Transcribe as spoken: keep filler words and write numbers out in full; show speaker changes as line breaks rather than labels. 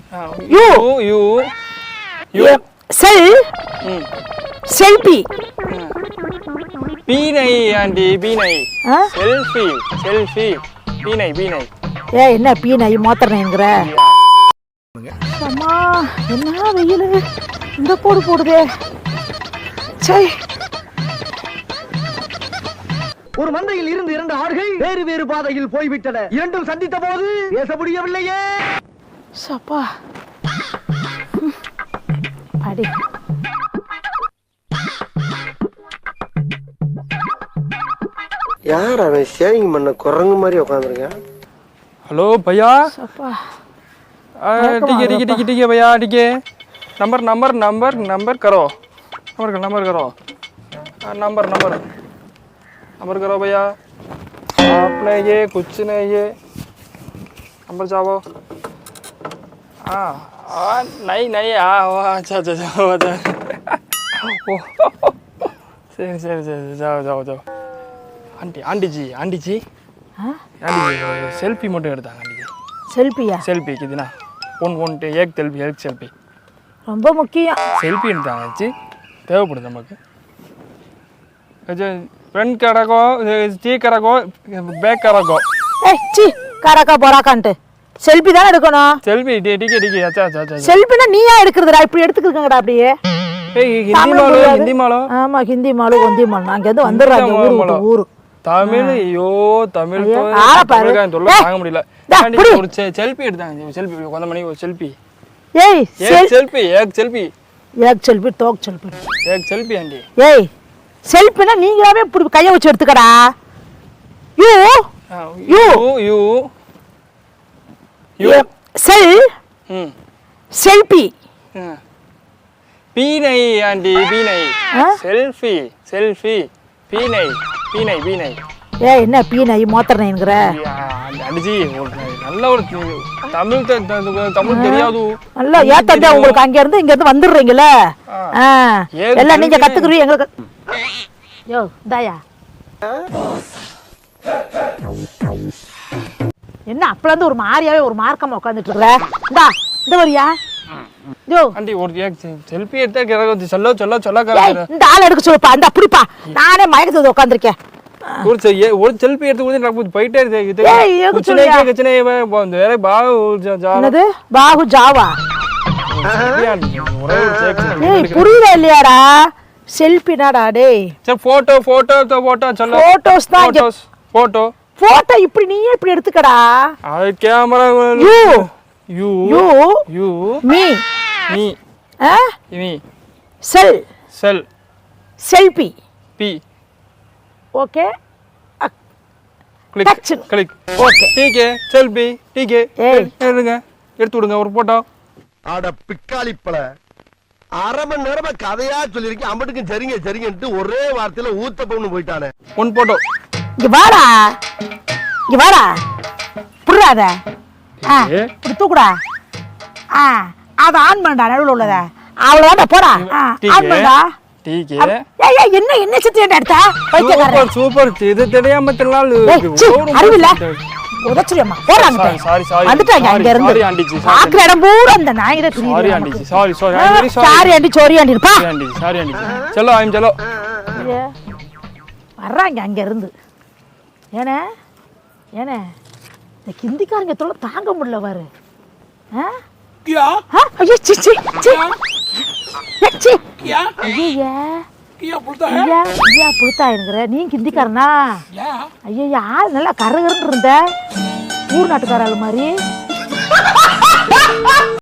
You
you you
செல் selfie
பீனை aunty பீனை செல்ஃபி செல்ஃபி பீனை பீனை
ஏ என்ன பீனை மோத்தறேங்கிற அம்மா என்ன வெயில் இந்த போடு போடுதே சை.
ஒரு மந்தையில் இருந்து இரண்டு ஆடுகள் வேறு வேறு பாதையில் போய்விட்டன. இரண்டும் சந்தித்த போது பேச முடியவில்லையே.
சப்பா அடி
யார் அவன் ஷேவிங் பண்ண குரங்கு மாதிரி உட்காந்துருக்கேன்.
हेलो भैया
सपा
ठीक है ठीक है ठीक है ठीक है भैया ठीक है नंबर नंबर नंबर नंबर करो नंबर नंबर करो नंबर नंबर नंबर करो भैया आपने ये कुछ नहीं ये नंबर जाओ हाँ हाँ नहीं नहीं हाँ अच्छा अच्छा जाओ अच्छा சரி சரி சரி जाओ जाओ जाओ aunty aunty ji aunty ji aunty selfie மட்டும் எடுத்தாங்க ஆண்டி
செல்ஃபியா
सेल्फी कितना ஒன் ஒன் एक सेल्फी एक सेल्फी
ரொம்ப முக்கியம்.
सेल्फी எடுத்தாங்க ஆச்சி தேவைப்படுது நமக்கு फ्रंट கரகோ சி கரகோ பேக் கரகோ
ஏய் சி கரகா போறாகான்ட்டு செல்ஃபி தான் எடுக்கணும்.
सेल्फी ठीक है ठीक है अच्छा अच्छा अच्छा
செல்ஃபினா நீயா எடுக்கிறதுடா இப்படி எடுத்துக்கிங்கடா அப்படியே.
ஏய் ஹிந்தி மாலோ ஹிந்தி மாலோ
ஆமா ஹிந்தி மாலோ ஹிந்தி மாலோ அங்க இருந்து வந்துறாங்க ஊரு ஊரு
தமிழ் ஐயோ தமிழ் தொல்லை தாங்க முடியல. ஒரு செல்ஃபி எடுத்தாங்க செல்ஃபி கொஞ்ச மணி ஒரு செல்ஃபி
ஏய்
एक सेल्फी एक सेल्फी
एक सेल्फी टॉक सेल्फी
एक सेल्फी ஆண்டி
ஏய் செல்ஃபினா நீங்களாவே இப்படி கைய வச்சு எடுத்துக்கடா. யூ யூ
யூ
யூ செல்
ம்
செல்ஃபி
பீனை ஆண்டி பீனை செல்ஃபி செல்ஃபி பீனை பீனை பீனை
ஏய் என்ன பீனை மோத்தறேங்கிற
அடிஜி நல்ல ஒரு தமிழ் தமிழ் தெரியாது
நல்லா ஏத்தண்டா உங்களுக்கு அங்க இருந்து இங்க இருந்து வந்துடுறீங்கல எல்லாம் நீங்க கத்துக்குறீங்க எங்களுக்கு யோ தாயா என்ன அப்பல இருந்து ஒரு மாரியாவே ஒரு மார்க்கமா உட்கார்ந்துட்டு இருக்கற இந்தா இந்த வரியா யோ
ஆண்டி ஒரு செல்ஃபி எடுத்தா கரகோ சொல்ல சொல்ல சொல்ல
இந்த ஆள எடுக்க சொல்லுப்பா அந்த அப்படிப்பா நானே மயக்கத்துல உட்கார்ந்திருக்கேன்.
ஒரு ஒரு செல்ஃபி எடுத்து கூட நான் போயிட்டே இருக்கேன்.
ஏய்
குச்சனே குச்சனே போந்து வேற பாகு ஜா
என்னது பாகு ஜாவா ஏய் புரியல இல்லையாடா செல்ஃபினாடா டேய்
சரி போட்டோ போட்டோ போட்டோ சொல்ல
போட்டோஸ் தான்
போட்டோஸ் போட்டோ
போட்டோ இப்படி நீயே இப்படி எடுத்துக்கடா.
அது camera
you
you
you
you
me
me
ஆ
மீ
செல்
செல்
செல்ஃபி
பி
ओके
क्लिक क्लिक
ओके
ठीक है सेल्फी ठीक है எடுங்க எடுத்து விடுங்க ஒரு போட்டோ.
அட பிக்காளிப்பள அரை மணி நேரமா கதையா சொல்லிருக்கேன் அம்பட்டுக்கும் சரிங்க சரிங்கன்ட்டு ஒரே வார்த்தையில ஊத்த போன்னு போயிட்டானே.
ஒன் போட்டோ
இங்க வாடா இங்க வாடா புடுறாத ஆ இப்படி தூக்குடா ஆ அத ஆன் பண்ணடா நடுவுல உள்ளத அவ்வளவுதான் போடா ஆன் பண்ணடா
ठीक है
ஏய் ஏய் என்ன என்ன சித்தி எடுத்தா
சூப்பர் சூப்பர் இது தெரியாம தெல்லாம்
அறிவில்ல உதச்சுறியம்மா போறாங்க
சாரி சாரி
வந்துட்டாங்க அங்க இருந்து
சாரி ஆண்டி ஜி
ஆக்குற இடம் பூரா அந்த நாயிட துணி
sorry aunty ji sorry sorry I very sorry
sorry aunty sorry aunty பா
ஆண்டி சாரி ஆண்டி चलो ஐம் चलो
வர்றாங்க அங்க இருந்து ஏனே ஏனே இந்த ஹிந்திக்காரங்க தொல்லை தாங்க முடியல பாரு ஆ
क्या
हां अरे ची ची ची ची
क्या
ஐயா
क्या बोलता है
ஐயா ஐயா புளுத்தாயிங்கற நீ ஹிந்திக்காரனா
क्या
ஐயா ஆள் நல்லா கரகரன்னு இருந்த ஊர் நாட்டுக்கார ஆளு மாதிரி